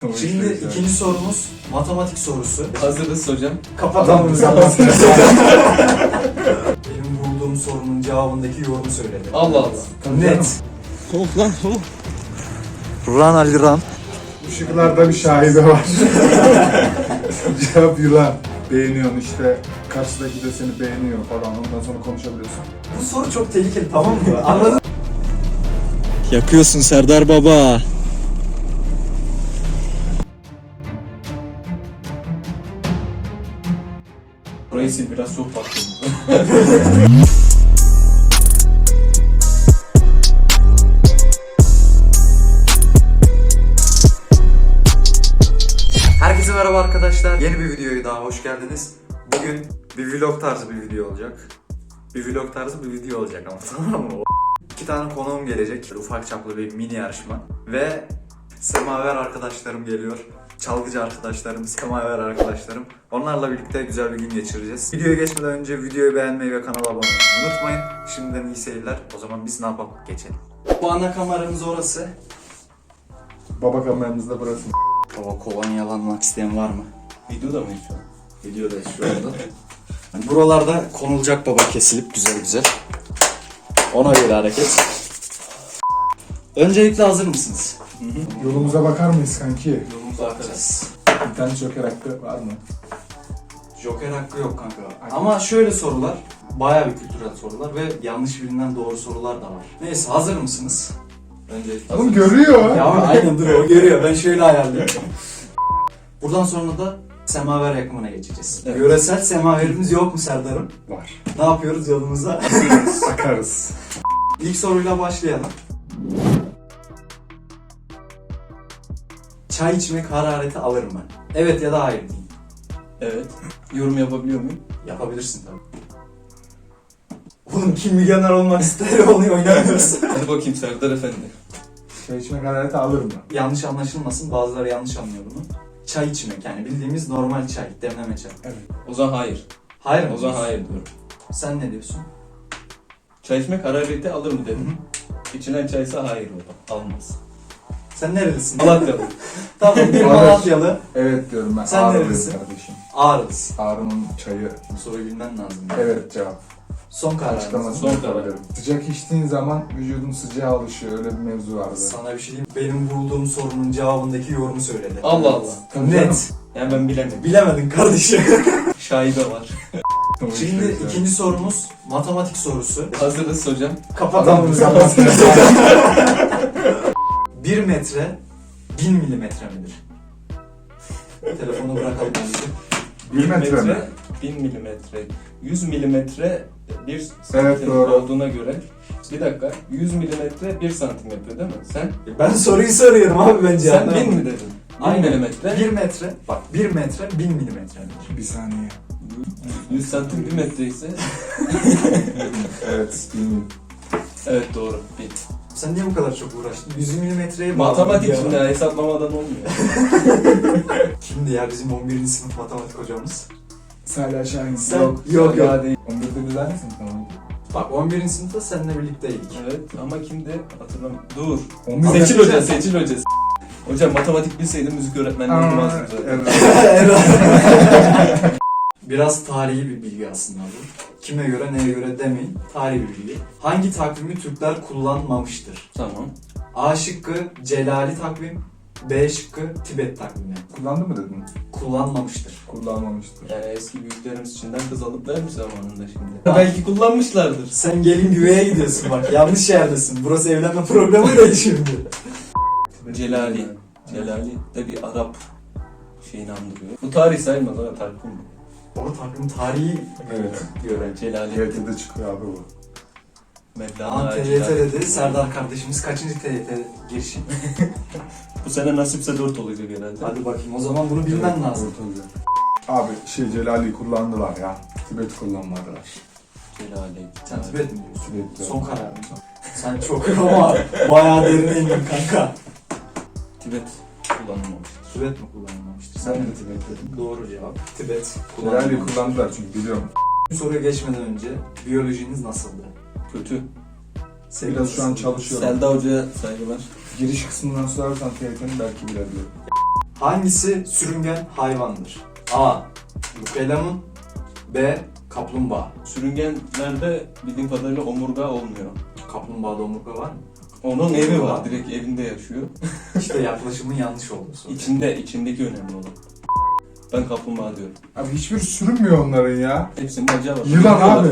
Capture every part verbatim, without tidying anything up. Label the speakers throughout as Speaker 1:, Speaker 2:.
Speaker 1: Şimdi ikinci sorumuz matematik sorusu.
Speaker 2: Hazırız hocam.
Speaker 1: Kapatalım zaman. Benim bulduğum sorunun cevabındaki yorumu söyledi.
Speaker 2: Allah Allah.
Speaker 1: Net.
Speaker 2: Soğuk lan soğuk.
Speaker 1: Run Ali run.
Speaker 3: Bu şıklarda bir şahide var. Cevap yılan. Beğeniyorsun işte, karşıdaki de seni beğeniyor falan, ondan sonra konuşabiliyorsun.
Speaker 1: Bu soru çok tehlikeli, tamam mı? Anladın mı?
Speaker 4: Yakıyorsun Serdar Baba.
Speaker 2: Burayı sil, biraz soğuk baktım.
Speaker 1: Herkese merhaba arkadaşlar. Yeni bir videoya daha hoş geldiniz. Bugün bir vlog tarzı bir video olacak. Bir vlog tarzı bir video olacak ama tamam mı? İki tane konuğum gelecek. Ufak çaplı bir mini yarışma. Ve semaver arkadaşlarım geliyor. Çalgıcı arkadaşlarım, semaver arkadaşlarım. Onlarla birlikte güzel bir gün geçireceğiz. Videoya geçmeden önce videoyu beğenmeyi ve kanala abone olmayı unutmayın. Şimdiden iyi seyirler. O zaman biz ne yapalım? Geçelim. Bu ana kameramız orası.
Speaker 3: Baba kameramız da burası.
Speaker 1: Baba kovan yalanmak isteyen var mı?
Speaker 2: Videoda mıyız şu an?
Speaker 1: Videodayız şu anda. Yani buralarda konulacak baba kesilip güzel güzel. Ona göre hareket. Öncelikle hazır mısınız?
Speaker 3: Yolumuza bakar mıyız kanki?
Speaker 2: Yolumuza akacağız.
Speaker 3: Bir tane joker hakkı var mı?
Speaker 1: Joker hakkı yok kanka. Ama şöyle sorular, bayağı bir kültürel sorular ve yanlış bilinen doğru sorular da var. Neyse, hazır mısınız?
Speaker 2: Öncelikle
Speaker 3: Oğlum
Speaker 2: hazırız.
Speaker 3: görüyor.
Speaker 1: Ya aynen dur, o görüyor. Ben şöyle ayarlıyorum. Buradan sonra da semaver yakımına geçeceğiz.
Speaker 2: Evet.
Speaker 1: Yöresel semaverimiz yok mu Serdar'ım?
Speaker 3: Var.
Speaker 1: Ne yapıyoruz yolumuza?
Speaker 3: Bakarız.
Speaker 1: İlk soruyla başlayalım. Çay içmek harareti alır mı? Evet ya da hayır deyin.
Speaker 2: Evet. Yorum yapabiliyor muyum?
Speaker 1: Yapabilirsin tabii. Oğlum kim milyoner olmak ister onu oynamıyoruz.
Speaker 2: Hadi bakayım Serdar Efendi.
Speaker 3: Çay içmek harareti alır mı?
Speaker 1: Yanlış anlaşılmasın, bazıları yanlış anlıyor bunu. Çay içmek yani bildiğimiz normal çay, demleme çay.
Speaker 3: Evet.
Speaker 2: O zaman hayır.
Speaker 1: Hayır mı?
Speaker 2: O zaman
Speaker 1: diyorsun?
Speaker 2: hayır diyorum.
Speaker 1: Sen ne diyorsun?
Speaker 2: Çay içmek harareti alır mı dedim. İçilen çaysa hayır o da. Almaz.
Speaker 1: Sen nerelisin?
Speaker 2: Malatyalı.
Speaker 1: Tamam, bir
Speaker 3: Alır.
Speaker 1: Malatyalı.
Speaker 3: Evet diyorum ben.
Speaker 1: Sen
Speaker 3: Ağrılıyım
Speaker 1: neredesin?
Speaker 3: kardeşim.
Speaker 1: Ağrılısın.
Speaker 3: Ağrı'nın çayı.
Speaker 1: Bu soruyu bilmen lazım.
Speaker 3: Evet cevap.
Speaker 1: Son kararınız.
Speaker 3: Açıklamasını
Speaker 2: Son karar.
Speaker 3: yapabilirim. Sıcak içtiğin zaman vücudun sıcağa alışıyor. Öyle bir mevzu vardı.
Speaker 1: Sana bir şey diyeyim. Benim bulduğum sorunun cevabındaki yorumu söyledi.
Speaker 2: Allah Allah.
Speaker 3: Tabii canım.
Speaker 1: Net.
Speaker 2: Yani ben bilemedim.
Speaker 1: Bilemedin kardeşim.
Speaker 2: Şaibe var.
Speaker 3: Tamam,
Speaker 1: Şimdi
Speaker 3: işte,
Speaker 1: ikinci sorumuz matematik sorusu.
Speaker 2: Hazırız hocam.
Speaker 1: Kapatalım
Speaker 3: Adam
Speaker 1: zaman.
Speaker 3: zaman.
Speaker 1: bir metre bin milimetre midir? Telefonu bırakalım önce.
Speaker 3: Bir metre mi?
Speaker 2: bin milimetre. yüz milimetre bir santim
Speaker 3: Evet, doğru.
Speaker 2: olduğuna göre. Bir dakika. yüz milimetre bir santim yapıyor değil mi? Sen?
Speaker 1: Ben soruyu soruyorum abi bence.
Speaker 2: Sen bin mi dedin? bin
Speaker 1: Aynen.
Speaker 2: milimetre.
Speaker 1: bir metre, bak bir metre bin milimetre midir?
Speaker 3: Bir saniye.
Speaker 2: yüz santim bir metre ise.
Speaker 3: Evet, bilmiyorum.
Speaker 2: Evet doğru. bin.
Speaker 1: Sen niye bu kadar çok uğraştın? yüz milimetreye bağlı.
Speaker 2: Matematik
Speaker 1: ya.
Speaker 2: şimdi ya, hesaplamadan olmuyor.
Speaker 1: Kimdi ya bizim on birinci sınıf matematik hocamız?
Speaker 3: Salih Şahin.
Speaker 1: Sen-
Speaker 3: Yok.
Speaker 1: yok, yok.
Speaker 2: Daha değil.
Speaker 3: on birde biz aynı sınıfta mıydık?
Speaker 1: Bak on birinci sınıfta seninle birlikteydik.
Speaker 2: Evet ama kimdi? Hatırlamıyorum. Dur.
Speaker 3: on birde
Speaker 2: Seçil Hoca, Seçil Hoca. Hocam matematik bilseydim müzik öğretmenliği
Speaker 3: Aa,
Speaker 2: olmazdım zaten.
Speaker 3: evet.
Speaker 1: Biraz tarihi bir bilgi aslında bu. Kime göre neye göre demeyin. Tarihi bir bilgi. Hangi takvimi Türkler kullanmamıştır?
Speaker 2: Tamam.
Speaker 1: A şıkkı Celali takvim, B şıkkı Tibet takvimi.
Speaker 3: Kullandı mı dedin?
Speaker 1: Kullanmamıştır.
Speaker 3: Kullanmamıştır.
Speaker 2: Yani eski büyüklerimiz içinden kız alıp vermiş zamanında şimdi. Belki kullanmışlardır.
Speaker 1: Sen gelin güveye gidiyorsun bak, yanlış yerdesin. Burası evlenme programı değil şimdi.
Speaker 2: Celali. Celali de bir Arap şeyini andırıyor. Bu tarih sayılmaz ama takvim bu.
Speaker 1: O takvim tarihi
Speaker 3: Evet.
Speaker 1: göre.
Speaker 2: Celali.
Speaker 3: T Y T'de çıkıyor abi bu.
Speaker 2: Mevlana
Speaker 1: Aa, T Y T
Speaker 2: Celali.
Speaker 1: dedi. Serdar kardeşimiz kaçıncı T Y T girişi?
Speaker 2: Bu sene nasipse dört olacak herhalde.
Speaker 1: Hadi bakayım, o zaman bunu bilmen lazım.
Speaker 3: Evet, olacak. Abi şey Celali kullandılar ya. Tibet kullanmadılar.
Speaker 2: Celali.
Speaker 1: Sen Tibet mi diyorsun?
Speaker 3: Tibet'te.
Speaker 1: Son kararın. Sen çok ama bayağı derine indin kanka.
Speaker 2: Tibet kullanılmamış.
Speaker 1: Tibet mi kullanılmamıştır?
Speaker 3: Sen
Speaker 1: Sen
Speaker 3: de
Speaker 1: de
Speaker 3: Tibet dedin.
Speaker 1: doğru cevap. Tibet
Speaker 3: Celali
Speaker 1: kullanılmamış.
Speaker 3: kullandılar çünkü biliyorum.
Speaker 1: Bu soruya geçmeden önce biyolojiniz nasıldı?
Speaker 2: Kötü.
Speaker 3: Biraz şu an çalışıyorum.
Speaker 2: Selda Hoca'ya saygılar.
Speaker 3: Giriş kısmından sorarsan T Y T'ni belki bilebilirim.
Speaker 1: Hangisi sürüngen hayvandır? A. Lukelamun, B. Kaplumbağa.
Speaker 2: Sürüngenlerde bildiğim kadarıyla omurga olmuyor.
Speaker 1: Kaplumbağada omurga var mı?
Speaker 2: Onun evi var. Direkt evinde yaşıyor.
Speaker 1: İşte yaklaşımın yanlış oldu sonra.
Speaker 2: İçinde, içindeki önemli olan. Ben kaplumbağa diyorum.
Speaker 3: Abi hiçbir sürünmüyor onların ya.
Speaker 2: Hepsinin bacağı var.
Speaker 3: Yılan abi.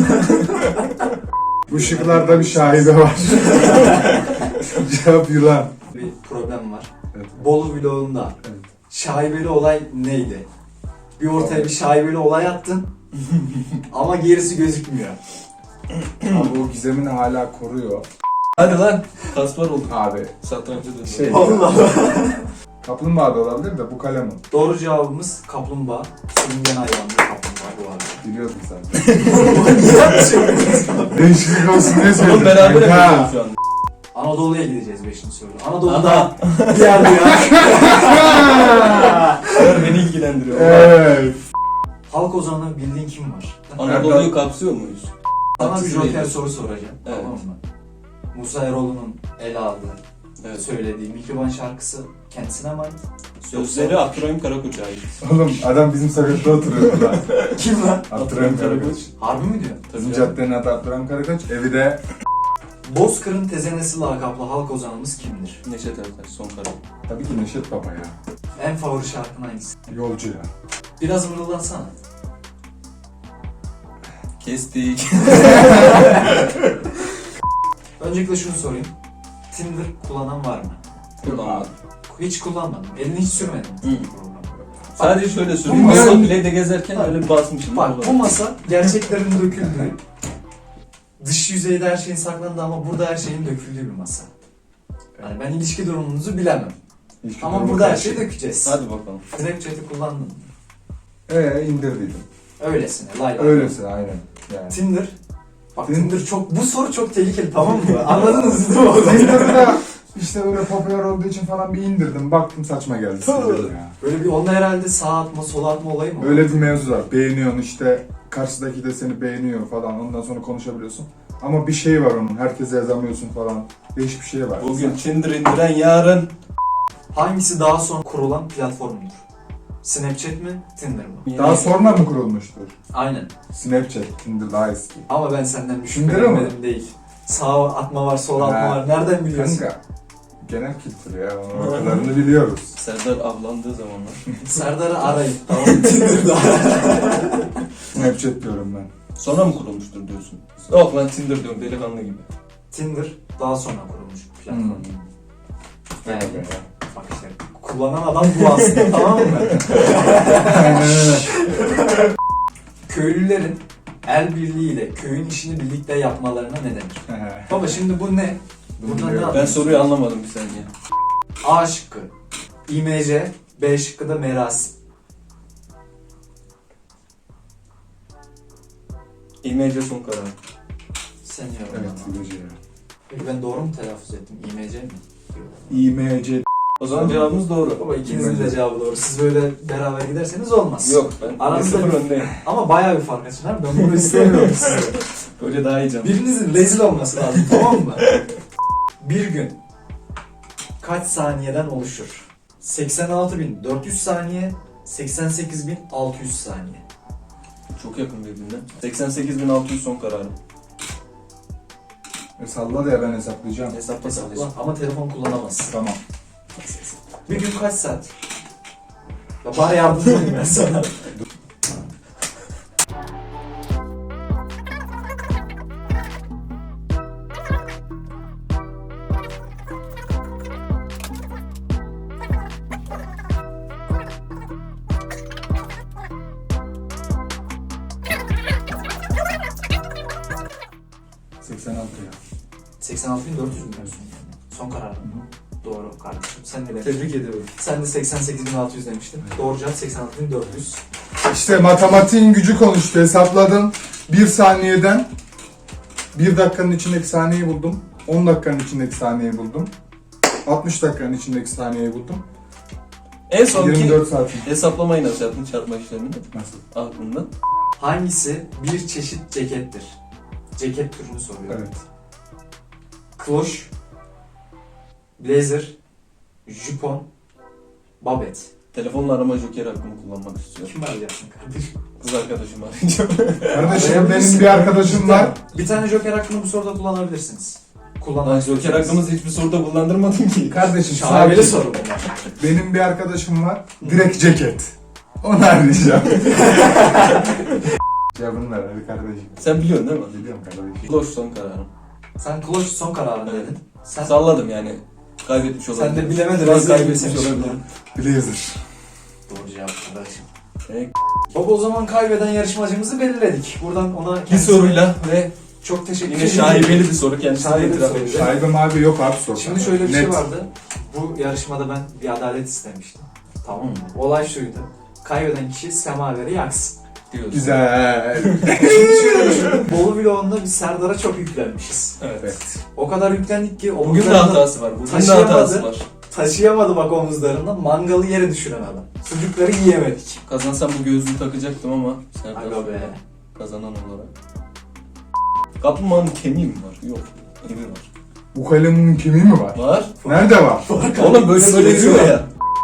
Speaker 3: Bu şıklarda bir şahibe var. Cevap yılan.
Speaker 1: Bir problem var.
Speaker 3: Evet.
Speaker 1: Bolu vlogunda
Speaker 3: Evet.
Speaker 1: şaibeli olay neydi? Bir ortaya bir şaibeli olay attın ama gerisi gözükmüyor.
Speaker 3: Abi o gizemini hala koruyor.
Speaker 2: Hadi lan. Kasper olduk.
Speaker 3: Abi
Speaker 2: Satranca döndü.
Speaker 3: şey,
Speaker 1: Allah.
Speaker 3: kaplumbağa da olabilir de bu kalemun.
Speaker 1: Doğru cevabımız kaplumbağa. Sürüngen hayvanlı kaplumbağa bu arada.
Speaker 3: Biliyordum sen.
Speaker 1: Niye yapıyorsun?
Speaker 3: Değişiklik olsun diye söyledim.
Speaker 2: Oğlum beraber
Speaker 3: Ha.
Speaker 2: yapıyoruz şu anda.
Speaker 1: Anadolu'ya gideceğiz beşinci soruda. Anadolu'da bir yerde ya.
Speaker 2: Bunlar beni ilgilendiriyor.
Speaker 3: Evet.
Speaker 1: Halk ozanı bildiğin kim var?
Speaker 2: Anadolu'yu kapsıyor muyuz?
Speaker 1: Sana bir
Speaker 2: Haksız
Speaker 1: joker
Speaker 2: değiliz.
Speaker 1: soru soracağım.
Speaker 2: Evet.
Speaker 1: Tamam mı? Musa Eroğlu'nun ele aldığı,
Speaker 2: Evet.
Speaker 1: söylediği Mihriban şarkısı kendisine mi ait?
Speaker 2: Sözleri Abdurrahim Karakoç'a ait.
Speaker 3: Oğlum adam bizim sokakta oturuyordu lan.
Speaker 1: Kim lan?
Speaker 3: Abdurrahim Karakoç.
Speaker 1: Harbi mi diyor?
Speaker 3: Bizim
Speaker 2: Tabii ya.
Speaker 3: caddenin adı Abdurrahim Karakoç. Evi de
Speaker 1: Bozkır'ın tezenesi lakaplı halk ozanımız kimdir?
Speaker 2: Neşet Ertaş son karar.
Speaker 3: tabii ki Neşet Baba ya.
Speaker 1: En favori şarkın hangisi?
Speaker 3: Yolcu ya.
Speaker 1: Biraz mırıldansana.
Speaker 2: Kestik.
Speaker 1: Öncelikle şunu sorayım. Tinder kullanan var mı?
Speaker 2: Kullanmadım.
Speaker 1: Hiç kullanmadım. Elini hiç sürmedim.
Speaker 2: Hı. Sadece şöyle
Speaker 1: Bu
Speaker 2: söyleyeyim.
Speaker 1: masa-
Speaker 2: Masa bile de gezerken öyle bir basmışım.
Speaker 1: Bak bu masa gerçeklerin döküldüğü, dış yüzeyde her şeyin saklandığı ama burada her şeyin döküldüğü bir masa. Yani ben ilişki durumunuzu bilemem.
Speaker 3: Hiç
Speaker 1: Ama
Speaker 3: güzel
Speaker 1: burada her
Speaker 3: bakar.
Speaker 1: şeyi dökeceğiz.
Speaker 2: Hadi bakalım.
Speaker 1: Snapchat'i kullandın mı?
Speaker 3: Ee indirdiydim.
Speaker 1: Öylesine. Lay lay.
Speaker 3: Öylesi aynen. Yani.
Speaker 1: Tinder. Bak
Speaker 3: Tinder-
Speaker 1: Tinder çok, bu soru çok tehlikeli tamam mı? Anladınız değil mi?
Speaker 3: Tinder'da işte öyle popüler olduğu için falan bir indirdim. Baktım saçma geldi. sildim ya.
Speaker 1: Böyle bir onda herhalde sağ atma sola atma olayı mı?
Speaker 3: Öyle bir mevzu var. Beğeniyorsun işte. Karşıdaki de seni beğeniyor falan. Ondan sonra konuşabiliyorsun. Ama bir şey var onun. Herkese yazamıyorsun falan. Değişik bir şey var.
Speaker 2: Bugün Tinder indiren yarın.
Speaker 1: Hangisi daha sonra kurulan platformdur? Snapchat mi? Tinder mı?
Speaker 3: Daha sonra mı kurulmuştur?
Speaker 1: Aynen.
Speaker 3: Snapchat, Tinder daha eski.
Speaker 1: Ama ben senden bir
Speaker 3: Tinder
Speaker 1: şüphelenmedim değil. Sağ atma var, sol atma
Speaker 3: Ha.
Speaker 1: var. Nereden biliyorsun?
Speaker 3: Kanka. Genel kültür ya. O kadarını biliyoruz.
Speaker 2: Serdar avlandığı zamanlar.
Speaker 1: Serdar'ı arayın. Tamam Tinder'da.
Speaker 3: Snapchat diyorum ben.
Speaker 2: Sonra mı kurulmuştur diyorsun? Yok lan Tinder diyorum delikanlı gibi.
Speaker 1: Tinder daha sonra kurulmuş bir platform.
Speaker 3: Hmm.
Speaker 1: Yani
Speaker 3: Evet.
Speaker 1: bak işte kullanan adam bu aslında tamam mı?
Speaker 3: Aynen öyle.
Speaker 1: Köylülerin el birliğiyle köyün işini birlikte yapmalarına ne denir? Baba şimdi bu ne?
Speaker 3: Bunu
Speaker 1: Burada ne
Speaker 3: biliyorum.
Speaker 2: Ben
Speaker 1: yapıyorsun?
Speaker 2: soruyu anlamadım bir saniye.
Speaker 1: A şıkkı İmece, B şıkkı da merasim.
Speaker 2: İmece son karar.
Speaker 1: Sen ya.
Speaker 3: Evet, İmece ya.
Speaker 1: Peki ben doğru mu telaffuz ettim? İmece mi?
Speaker 3: İ M C.
Speaker 2: O zaman cevabımız doğru.
Speaker 1: Baba ikinizin de
Speaker 3: İmece.
Speaker 1: cevabı doğru. Siz böyle beraber giderseniz olmaz.
Speaker 2: Yok ben
Speaker 1: Aramızda
Speaker 2: sıfır
Speaker 1: bir-
Speaker 2: öndeyim.
Speaker 1: Ama bayağı bir fark açın abi. Ben bunu istemiyorum size.
Speaker 2: Böyle daha iyi canım.
Speaker 1: Birinizin rezil olması lazım tamam mı? Bir gün kaç saniyeden oluşur? seksen altı bin dört yüz saniye, seksen sekiz bin altı yüz saniye.
Speaker 2: Çok yakın birbirine. seksen sekiz bin altı yüz son kararım.
Speaker 3: E salla da ya ben hesaplayacağım.
Speaker 2: Hesapla
Speaker 1: Hesapla
Speaker 2: kardeşim.
Speaker 1: ama telefon kullanamazsın.
Speaker 3: Tamam.
Speaker 1: Bir gün kaç saat? Ya bana yardımcı olayım ben sana.
Speaker 3: seksen altı ya.
Speaker 1: seksen altı bin dört yüz mü diyorsun yani? Son karar mı? Doğru kardeşim. Sen de
Speaker 2: Tebrik ediyorum.
Speaker 1: Sen de seksen sekiz bin altı yüz demiştin. Doğru cevap seksen altı bin dört yüz.
Speaker 3: İşte matematiğin gücü konuştu. Hesapladım. Bir saniyeden bir dakikanın içindeki saniyeyi buldum. on dakikanın içindeki saniyeyi buldum. altmış dakikanın içindeki saniyeyi buldum.
Speaker 2: En sonki
Speaker 3: yirmi dört saat.
Speaker 2: hesaplamayı nasıl yaptın çarpma işlemini?
Speaker 3: Nasıl?
Speaker 2: Aklında.
Speaker 1: Hangisi bir çeşit cekettir? Ceket türünü soruyorum.
Speaker 3: Evet.
Speaker 1: Kloş, blazer, jupon, Babet.
Speaker 2: Telefonla arama joker hakkımı kullanmak istiyorum.
Speaker 1: Kim arayacaksın kardeşim?
Speaker 2: Kız arkadaşımı arayacağım.
Speaker 3: Kardeşim benim bir arkadaşım var.
Speaker 1: Bir tane joker hakkını bu soruda kullanabilirsiniz.
Speaker 2: Lan
Speaker 1: Kullanmak
Speaker 2: joker hakkımızı hiçbir soruda kullandırmadın ki.
Speaker 3: Kardeşim
Speaker 1: Şahane
Speaker 3: sadece
Speaker 1: soru bunlar.
Speaker 3: benim bir arkadaşım var. Direkt ceket. Onu arayacağım. Cevabını ver hadi kardeşim.
Speaker 2: Sen biliyorsun değil mi?
Speaker 3: Biliyorum kardeşim.
Speaker 2: Kloş son kararım.
Speaker 1: Sen kloş son kararın
Speaker 2: Evet.
Speaker 1: dedin. Sen,
Speaker 2: Salladım yani. Kaybetmiş olabilirim.
Speaker 1: sen de bilemedin.
Speaker 2: Şu an
Speaker 1: rezil
Speaker 2: kaybetmiş
Speaker 1: etmişsin.
Speaker 2: olabilirim.
Speaker 3: Blazer.
Speaker 1: Doğru cevap kardeşim.
Speaker 2: Evet.
Speaker 1: Baba o zaman kaybeden yarışmacımızı belirledik. Buradan ona
Speaker 2: Bir
Speaker 1: kendisine
Speaker 2: soruyla ve
Speaker 1: çok teşekkür
Speaker 2: yine
Speaker 1: ederim.
Speaker 2: şaibeli bir soru kendisine
Speaker 1: Şaibeli bir
Speaker 2: itiraf
Speaker 1: soru.
Speaker 2: edeceğim.
Speaker 3: Şaibem abi yok abi sor.
Speaker 1: Şimdi şöyle bir
Speaker 3: Net.
Speaker 1: şey vardı. Bu yarışmada ben bir adalet istemiştim. Tamam mı? Olay şuydu. Kaybeden kişi semaveri yaksın.
Speaker 2: Diyorsun.
Speaker 3: Güzel.
Speaker 1: Şimdi şöyle düşünün. Bolu vlogunda biz Serdar'a çok yüklenmişiz.
Speaker 2: Evet.
Speaker 1: O kadar yüklendik ki
Speaker 2: Bugün de
Speaker 1: omuzlarında
Speaker 2: hatası var. Bugün de
Speaker 1: taşıyamadı.
Speaker 2: hatası var.
Speaker 1: taşıyamadı bak omuzlarında. Mangalı yere düşüren adam. Sucukları yiyemedik.
Speaker 2: Kazansam bu gözlüğü takacaktım ama Serdar
Speaker 1: Aga be.
Speaker 2: kazanan olarak. Kaplumbağanın kemiği mi var? Yok. Evi var.
Speaker 3: Bu kalemin kemiği mi var?
Speaker 2: Var.
Speaker 3: Nerede var?
Speaker 2: Oğlum böyle böyle diyor ya.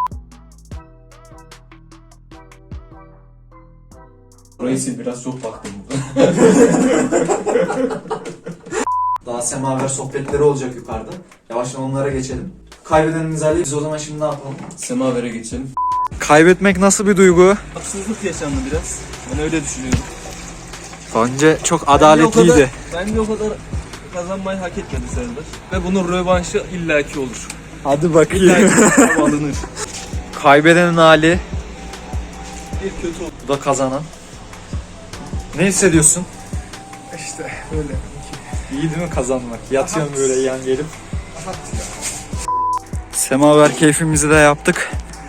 Speaker 2: Burayı sil, biraz çok baktım.
Speaker 1: Daha semaver sohbetleri olacak yukarıda. Yavaştan onlara geçelim. Kaybedenin mizahı biz o zaman şimdi ne yapalım?
Speaker 2: Semavere geçelim.
Speaker 1: Kaybetmek nasıl bir duygu?
Speaker 2: Haksızlık yaşandı biraz. Ben öyle düşünüyorum.
Speaker 1: Bence çok
Speaker 2: Bence, bence o kadar kazanmayı hak etmedi Serdar. Ve bunun rövanşı illaki olur.
Speaker 1: Hadi
Speaker 2: İllaki alınır.
Speaker 1: Kaybedenin hali,
Speaker 2: Bir kötü oldu.
Speaker 1: bu da kazanan. Ne hissediyorsun?
Speaker 3: İşte böyle.
Speaker 1: İyi değil mi kazanmak? Yatıyorum böyle yan gelip. Semaver keyfimizi de yaptık.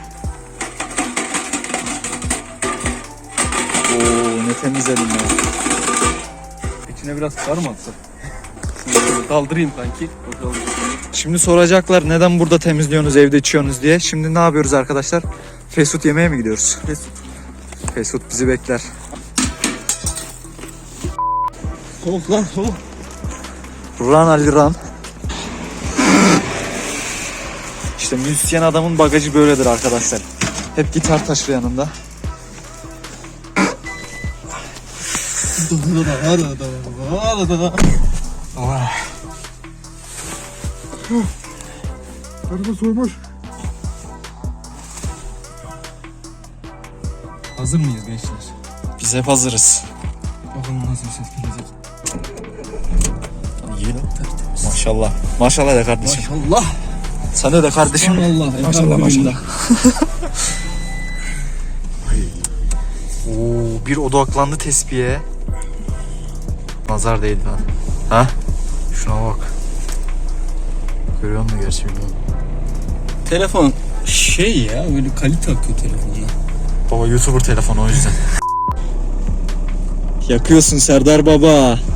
Speaker 1: Oo ne temizledim ya.
Speaker 2: İçine biraz kar mı atsak? Şöyle Kaldırayım kanki. Bakalım.
Speaker 1: Şimdi soracaklar neden burada temizliyorsunuz, evde içiyorsunuz diye. Şimdi ne yapıyoruz arkadaşlar? Fast food yemeye mi gidiyoruz?
Speaker 2: Fast food.
Speaker 1: Fast food bizi bekler.
Speaker 2: Soğuk lan soğuk.
Speaker 1: Run Ali run. İşte müzisyen adamın bagajı böyledir arkadaşlar. Hep gitar taşır yanında.
Speaker 3: Araba soymuş.
Speaker 2: Hazır mıyız gençler?
Speaker 1: Biz hep hazırız.
Speaker 2: Bakalım nasıl bir ses gelecek.
Speaker 1: İyi lan. Maşallah. Maşallah de kardeşim.
Speaker 2: Maşallah.
Speaker 1: Sana de kardeşim.
Speaker 2: Allah.
Speaker 1: Maşallah maşallah. Oo, bir odaklandı tespihe. Nazar değdi lan. Ha? Şuna bak. Görüyor musun gerçi bilmiyorum.
Speaker 2: Telefon şey ya böyle kalite akıyor telefonla.
Speaker 1: Baba YouTuber telefonu o yüzden.
Speaker 4: Yakıyorsun Serdar baba.